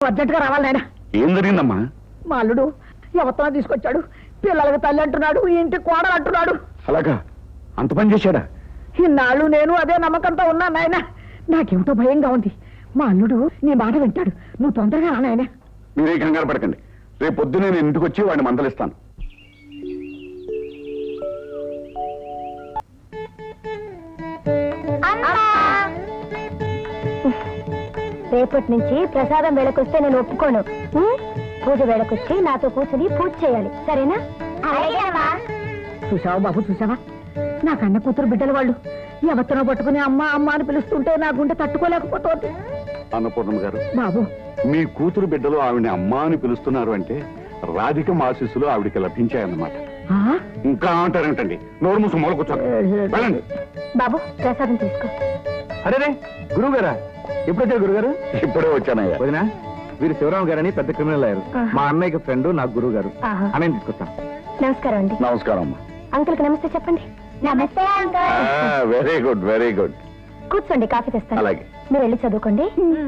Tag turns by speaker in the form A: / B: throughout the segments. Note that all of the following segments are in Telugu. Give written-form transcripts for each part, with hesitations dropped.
A: అర్జెంటుగా రావాలి నాయన.
B: ఏం జరిగిందమ్మా?
A: మా అల్లుడు ఎవరితో తీసుకొచ్చాడు, పిల్లలకి తల్లి అంటున్నాడు, ఇంటి కోడలు అంటున్నాడు.
B: అలాగా? అంత పని చేశాడా?
A: ఇన్నాళ్ళు నేను అదే నమ్మకంతో ఉన్నా నాయన. నాకేమిటో భయంగా ఉంది. మా అల్లుడు నీ మాట వింటాడు, నువ్వు తొందరగా రా నాయన.
B: మీరే కంగారు పడకండి, రేపు పొద్దునే నేను ఇంటికి వచ్చి వాడిని మందలిస్తాను.
C: రేపటి నుంచి ప్రసాదం వేళకొస్తే నేను ఒప్పుకోను. పూజ వేళకొచ్చి నాతో కూర్చుని పూజ చేయాలి, సరేనా?
A: చూసావా బాబు, చూసావా? నా కన్న కూతురు బిడ్డల వాళ్ళు ఎవరితో పట్టుకుని అమ్మ అమ్మ అని పిలుస్తుంటే నా గుండె తట్టుకోలేకపోతుంది.
B: అన్నపూర్ణమ్మ గారు,
A: బాబు
B: మీ కూతురు బిడ్డలు ఆవిడని అమ్మా అని పిలుస్తున్నారు అంటే రాధిక ఆశీస్సులు ఆవిడికి లభించాయన్నమాట. ఇంకా అంటారేంటండి? నోరు మూసు మూల కూర్చోండి, వెళ్ళండి.
C: బాబు ప్రసాదం తీసుకో.
D: అరే గురువు గారా, ఎప్పుడు వచ్చారు గురుగారు?
B: ఇప్పుడే వచ్చానయ్యా.
D: వదినా, వీరు శివరామ గారని పెద్ద క్రిమినల్ అయ్యారు. మా అన్నయ్యకి ఫ్రెండ్, నాకు గురువు గారు. అన్నయ్య తీసుకొస్తాం.
C: నమస్కారం అండి.
B: నమస్కారం అమ్మా.
C: అంకుల్కి నమస్తే చెప్పండి. నమస్తే uncle.
B: Very good, very good.
C: కూర్చోండి, కాఫీ తెస్తాను.
B: అలాగే.
C: మీరు వెళ్ళి చదువుకోండి.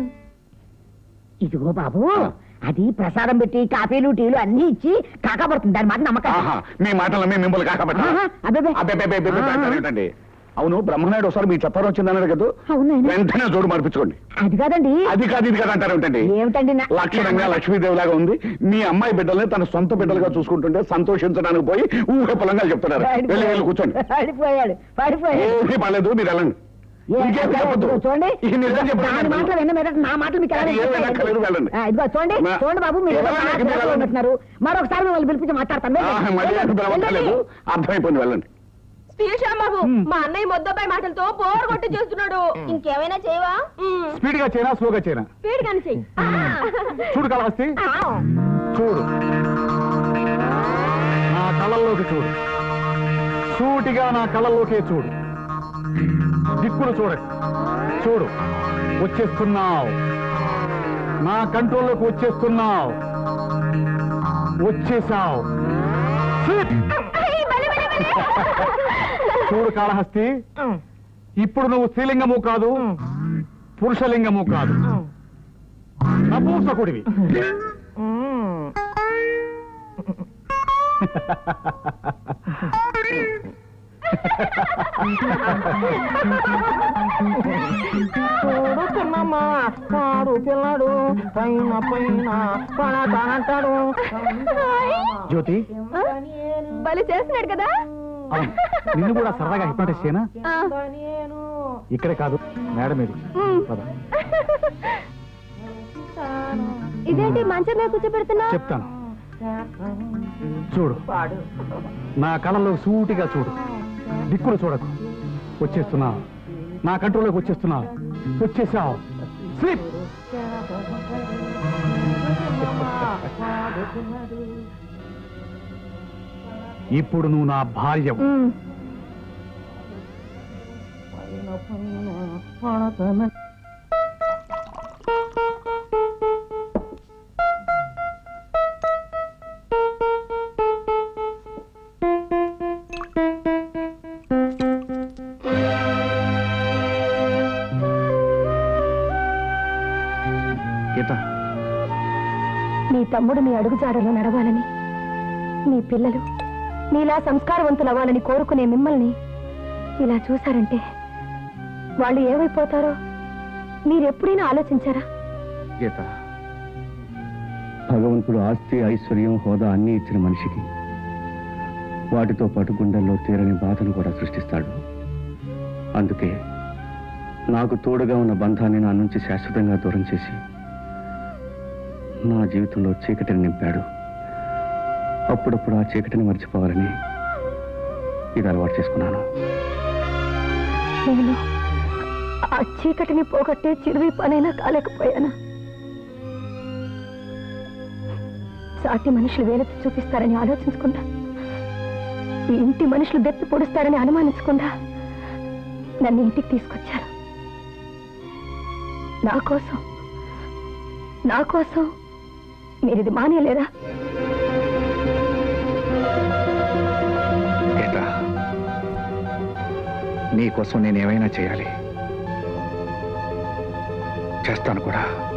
A: ఇదిగో బాబు, అది ప్రసాదం పెట్టి కాఫీలు టీలు అన్ని ఇచ్చి కాకపడుతుంది. దాని మాట నమ్మకం.
B: మీ మాటలు మిమ్మల్ని కాకపట్టండి. అవును, బ్రహ్మనాయుడు ఒకసారి మీ చెప్పారు వచ్చిందన్నాడు కదా, వెంటనే జోడు మార్పించుకోండి.
A: అది కాదండి.
B: అది కాదు ఇది కాదు అంటారు ఏంటండి?
A: ఏమిటండి?
B: లక్షణంగా లక్ష్మీదేవి లాగా ఉంది. మీ అమ్మాయి బిడ్డల్ని తన సొంత బిడ్డలుగా చూసుకుంటుంటే సంతోషించడానికి పోయి ఊహ పొలంగా చెప్తున్నారు. వెళ్ళి వెళ్ళి కూర్చోండి.
A: పడిపోయాడు.
B: ఏమీ పర్లేదు, మీరు వెళ్ళండి.
A: చూడండి, నా మాటలు మీకు ఇదిగో చూడండి, చూడండి బాబు, మీరు ఉంటున్నారు. మరొకసారి మిమ్మల్ని పిలిపించి మాట్లాడతాను.
B: అర్థమైపోయింది, వెళ్ళండి.
E: బాబు, మా అన్నయ్య మొద్దపై మాటలతో బోర్ కొట్టి చేస్తున్నాడు. ఇంకేమైనా చేయవా?
D: స్పీడ్ గా చేయనా, స్లోగా చేయనా?
E: స్పీడ్ గాని చెయ్యి.
D: చూడు కాళహస్తి, చూడు, నా కళ్ళల్లోకి చూడు, సూటిగా నా కళ్ళల్లోకే చూడు, దిక్కులు చూడకు. చూడు, వచ్చేస్తున్నావు, నా కంట్రోల్లోకి వచ్చేస్తున్నావు, వచ్చేసావు. చూడు కాళహస్తి, ఇప్పుడు నువ్వు స్త్రీలింగము కాదు, పురుషలింగము కాదు, నపూంసకుడివి.
A: చూడు చిన్నమ్మా, పాడు పిల్లడు పైన పైన పడతానంటాడు.
D: జ్యోతి,
E: బలి చేస్తున్నాడు కదా.
D: నిన్ను కూడా సరదాగా హిప్నటైజ్ చేయనా? ఇక్కడే కాదు, మేడం మీద.
C: ఇదేంటి మంచం మీద కూర్చోబెడుతున్నా?
D: చెప్తాను, చూడు, నా కళ్ళలో సూటిగా చూడు, దిక్కులు చూడకు. వచ్చేస్తున్నావు, నా కంట్రోల్లోకి వచ్చేస్తున్నావు, వచ్చేసావు. స్లీప్. ఇప్పుడు నువ్వు నా భార్యవు.
C: నీ తమ్ముడు నీ అడుగుజాడలో నడవాలని, నీ పిల్లలు నీలా సంస్కారవంతులవ్వాలని కోరుకునే మిమ్మల్ని ఇలా చూశారంటే వాళ్ళు ఏమైపోతారో మీరెప్పుడైనా ఆలోచించారా?
F: గీత, భగవంతుడు ఆస్తి, ఐశ్వర్యం, హోదా అన్నీ ఇచ్చిన మనిషికి వాటితో పాటు గుండెల్లో తీరని బాధను కూడా సృష్టిస్తాడు. అందుకే నాకు తోడుగా ఉన్న బంధాన్ని నా నుంచి శాశ్వతంగా దూరం చేసి నా జీవితంలో చీకటిని నింపాడు. అప్పుడప్పుడు ఆ చీకటిని మర్చిపోవాలని ఇది అలవాటు చేసుకున్నాను.
C: నేను ఆ చీకటిని పోగొట్టే చిరువి పనైనా కాలేకపోయానా? సాటి మనుషులు వేలెత్తి చూపిస్తారని ఆలోచించకుండా, ఈ ఇంటి మనుషులు దెప్పి పొడుస్తారని అనుమానించకుండా నన్ను ఇంటికి తీసుకొచ్చారు. నా కోసం మీరు ఇది మానేలేరా?
F: నీకోసం నేనేమైనా చేయాలి, చేస్తాను కూడా.